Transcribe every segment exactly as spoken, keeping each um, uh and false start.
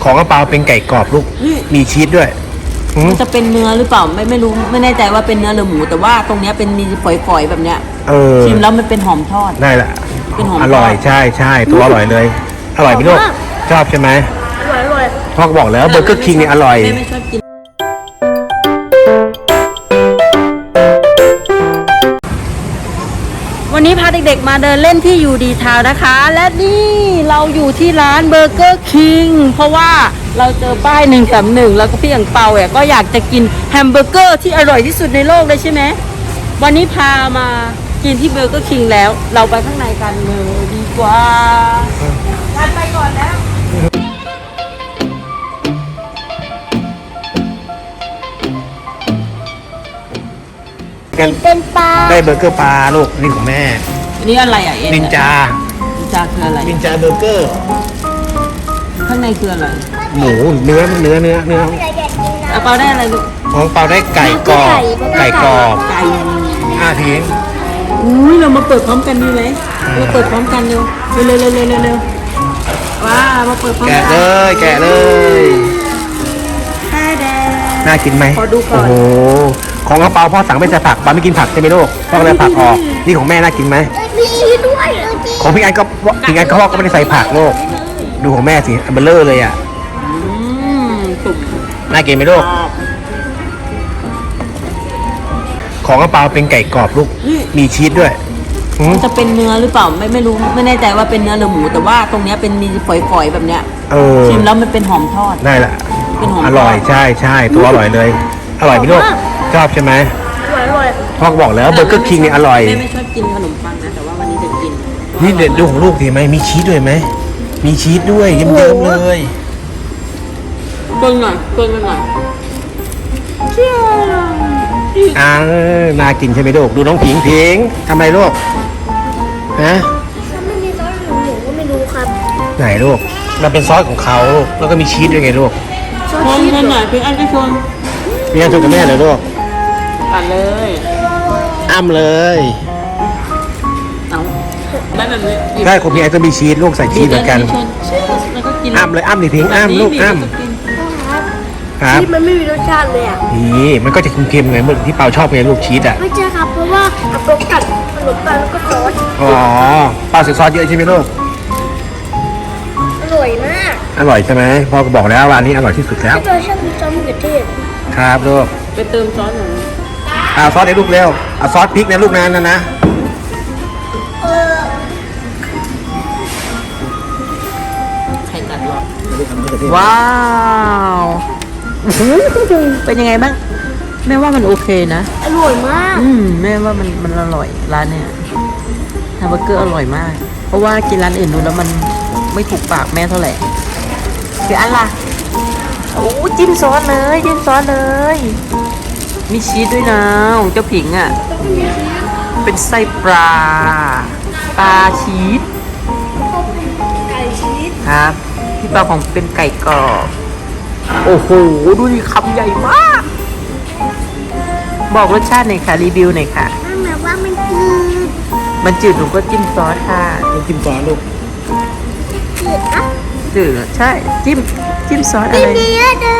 ของกระเปาเป็นไก่กรอบลูกมีชีสด้วยมันจะเป็นเนื้อหรือเปล่าไม่ไม่รู้ไม่แน่ใจว่าเป็นเนื้อหรือหมูแต่ว่าตรงเนี้ยเป็นมีฝอยๆแบบเนี้ยเออชิมแล้วมันเป็นหอมทอดได้แหละเป็นหอมอร่อยใช่ใช่ตัวอร่อยเลยอร่อยพี่ลูกชอบใช่ไหมอร่อยอร่อยพ่อก็บอกแล้วเบอร์เกอร์คิงเนี่ยอร่อยไม่ชอบกินวันนี้พาเด็กๆมาเดินเล่นที่ยูดีทาวน์นะคะและนี่เราอยู่ที่ร้านเบอร์เกอร์คิงเพราะว่าเราเจอป้ายหนึ่งสามหนึ่งแล้วก็พี่อย่างเปาเนี่ยก็อยากจะกินแฮมเบอร์เกอร์ที่อร่อยที่สุดในโลกเลยใช่ไหมวันนี้พามากินที่เบอร์เกอร์คิงแล้วเราไปข้างในกันเลยดีกว่ากันไปก่อนแล้วเป็นปลาได้เบอร์เกอร์ปลาลูกนี่ของแม่อันนี้อะไรอ่ะเอ็นินจานินจาคืออะไรนินจาเบอร์เกอร์ข้างในคืออะไรหมูเนื้อเนื้อเนื้อเนื้อเอาเปาได้อะไรลูกของเปาได้ไก่กรอบไก่กรอบไก่ห้าทีอุ้ยเรามาเปิดพร้อมกันดีไหมเราเปิดพร้อมกันเร็วเร็วเร็วเร็วเร็วเร็วว้ามาเปิดพร้อมกันแกะเลยแกะเลยน่ากินไหมขอดูก่อนโอ้โหของกระเปาพ่อสั่งไม่ใส่ผักปาไม่กินผักใช่ไหมลูกพ่อเลยผักออกนี่ของแม่น่ากินไหมมีด้วยของพี่ไอ้ก็พี่ไอ้ก็พ่อก็ไม่ได้ใส่ผักลูกดูของแม่สิอันเบลเลอร์เลยอ่ะน่ากินไหมลูกของกระเปาเป็นไก่กรอบลูกมีชีสด้วยมันจะเป็นเนื้อหรือเปล่าไม่ไม่รู้ไม่แน่ใจว่าเป็นเนื้อหรือหมูแต่ว่าตรงเนี้ยเป็นมีฝอยๆแบบเนี้ยเออชิมแล้วมันเป็นหอมทอดได้แหละเป็นหอมอร่อยใช่ใช่ตัวอร่อยเลยอร่อยพี่ลูกชอบใช่ไหมอร่อยอร่อยพ่อก็บอกแล้วเบอร์เกอร์คิงเนี่ยอร่อยแม่ไม่ชอบกินขนมปังนะแต่ว่าวันนี้จะกินนี่เด็ดดูของลูกดีไหมมีชีสด้วยไหมมีชีสด้วยเยิ้มๆเลยเกินหน่อยเกินหน่อยเชี่ยวอ่าน่ากินใช่ไหมลูกดูน้องผิงผิงทำอะไรลูกฮะถ้าไม่มีซอสหมูหมูก็ไม่รู้ครับไหนลูกมันเป็นซอสของเขาลูกแล้วก็มีชีสด้วยไงลูกชนชนหน่อยพี่อันก็ชนพี่อันชนกับแม่เลยลูกตัดเลยอ้ำเลยเอาได้แบบนี้ได้ของพี่อันก็มีชีสลูกใส่ชีสเหมือนกันอ้ำเลยอ้ำดิพิงอ้ำลูกอ้ำชีสมันไม่มีรสชาติเลยอ่ะนี่มันก็จะเค็มๆไงเหมือนที่เปาชอบไงลูกชีสอ่ะไม่ใช่ครับเพราะว่าเอาโปรกัดขนมปังแล้วก็ซอสอ๋อเปาใส่ซอสเยอะใช่ไหมลูกอร่อยมากอร่อยใช่ไหมพ่อก็บอกแล้วร้านนี้อร่อยที่สุดแล้วพี่ชอบซอสมะเขือเทศครับลูกไปเติมซอสหน่อยเอาซอสในลูกเร็วเอาซอสพริกในลูกนั้นนะนะไข่กัดหรอว้าวเป็นยังไงบ้างแม่ว่ามันโอเคนะอร่อยมากอืมแม่ว่ามันมันอร่อยร้านเนี้ยแฮมเบอร์เกอร์อร่อยมากเพราะว่ากินร้านอื่นดูแล้วมันไม่ถูกปากแม่เท่าไหร่คืออันล่ะโอ้จิ้มซอสเลยจิ้มซอสเลยมีชีสด้วยนะของเจ้าผิงอ่ะเป็นไส้ปลาปลาชีสไก่ชีสครับที่ปลาของเป็นไก่กรอบโอ้โหดูดิคำใหญ่มากบอกรสชาติหน่อยค่ะรีวิวหน่อยค่ะมันแบบว่ามันจืดมันจืดหนูก็จิ้มซอสค่ะจิ้มซอสลูกจืดอ่ะจืดใช่จิ้มจิ้มซอสอะไรเยอะเลย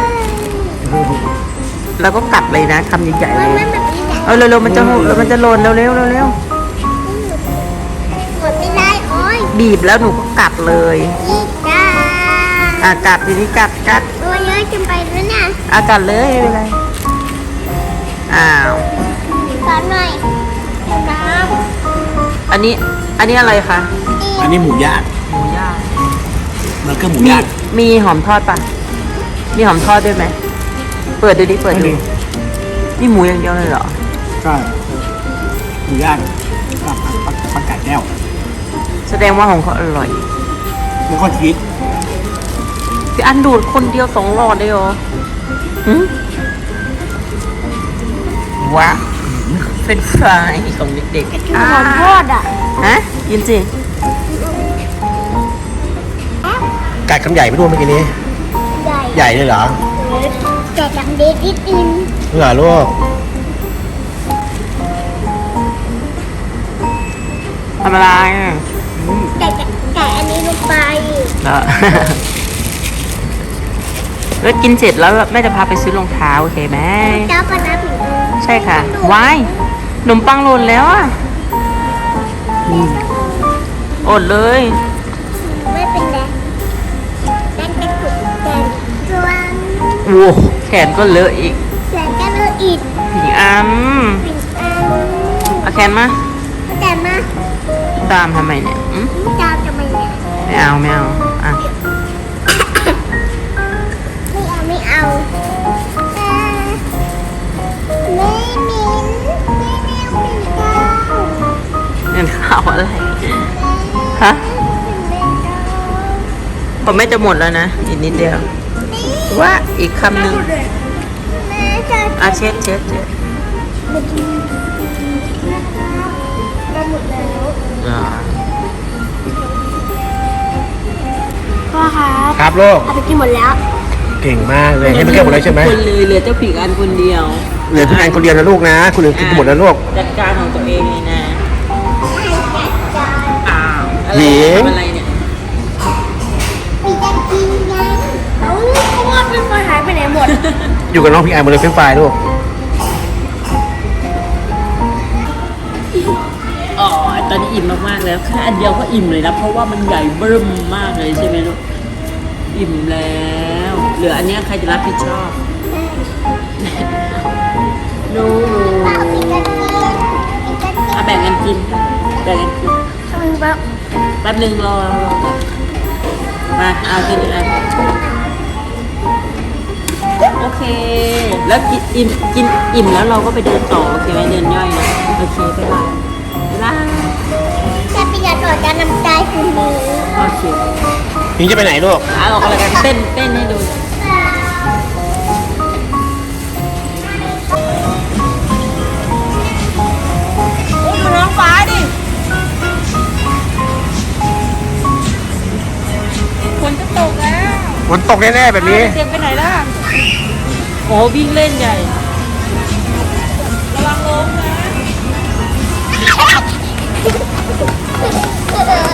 แล้วก็กัดเลยนะคำใหญ่ๆเลยเอาเร็วๆมันจะมันจะหล่นเร็วๆเร็วๆกดไม่ได้โอ้ยบีบแล้วหนูก็กัดเลยจ้าอ่ะกัดทีนี้กัดกัดตัวเยอะจนไปแล้วเนี่ยอ่ะกัดเลยไม่เป็นไรอ้าวสอนหน่อยน้ำอันนี้อันนี้อะไรคะอันนี้หมูย่างหมูย่างมันก็หมูย่างมีหอมทอดป่ะมีหอมทอดด้วยไหมเปิดดูดิเปิดดูนี่หมูอย่างเดียวเลยเหรอใช่หมูย่างกับผักกาดแก้วแสดงว่าของเขาอร่อยมันก็ชีสพี่อันดูดคนเดียวสองหลอดเลยเหรอว้าเป็นไฟของเด็กๆหอมทอดอ่ะฮะกินสิกัดคำใหญ่ไม่รู้เมื่อกี้นี้ใหญ่เลยเหรอแกะจังเด็ดนิดนึงเหรอลูกทำอะไรแกะแกะอันนี้ลงไปเนาะแล้วกินเสร็จแล้วแม่จะพาไปซื้อรองเท้าโอเคไหมเจ้าปนาผิงใช่ค่ะวายขนมปังหล่นแล้วอ่ะอดเลยไม่เป็นไรแดงกระตุกแดงจวนโอ้แขนก็เลอะอีกแดงก็เลยอีกผิงอันผิงอันเอาแขนมาแต่มาตามทำไมเนี่ยอืมเจ้าจะไม่เนี่ยไม่เอาไม่เอาอ่ะไม่เอาไม่เอาอ่าไม่มินไม่แมวปิ่นเกล้าเงินข้าวอะไรฮะปิ่นเกล้าผมไม่จะหมดแล้วนะอีกนิดเดียวว่าอีกคำหนึ่งแม่จะอ่ะเช็ดเช็ดเช็ดได้หมดแล้วอ่าพ่อครับครับลูกเอาไปกินหมดแล้วเก่งมากเลยให้มันเก็บหมดเลยใช่ไหมคนเลยเหลือเจ้าผิงอันคนเดียวเหลือพี่แอนคนเดียวนะลูกนะคนอื่นกินหมดแล้วลูกจัดการของตัวเองเลยนะอ้าวอะไรหญิงทำอะไรเนี่ยมีจะกินยังเอ้าเพราะว่าเป็นไฟหายไปไหนหมดอยู่กับน้องพี่แอนหมดเลยเฟรนช์ฟรายลูกอ๋อตอนนี้อิ่มมากๆแล้วแค่อันเดียวก็อิ่มเลยนะเพราะว่ามันใหญ่เบิ่มมากเลยใช่ไหมลูกอิ่มแล้วเหลืออันเนี้ยใครจะรับผิดชอบหนูเปล่ามีจะกินมีจะกินเอาแบ่งกันกินแบ่งกันกินทำแบบแป๊บหนึ่งรอรอมาเอากินอีกอันโอเค แล้วกินอิ่มกินอิ่มแล้วเราก็ไปเดินต่อโอเคไหมเดินย่อยนะโอเคไปบายบ๊ายบายแค่ปีกต่อการนำใจคุณหนูโอเคพิงจะไปไหนลูกเอาออกอะไรกันเต้นเต้นให้ดูดูน้องฟ้าดิฝนจะตกแล้วฝนตกแน่ๆแบบนี้เตรียมไปไหนล่ะโอ้วิ่งเล่นใหญ่ ระวังล้มนะเออ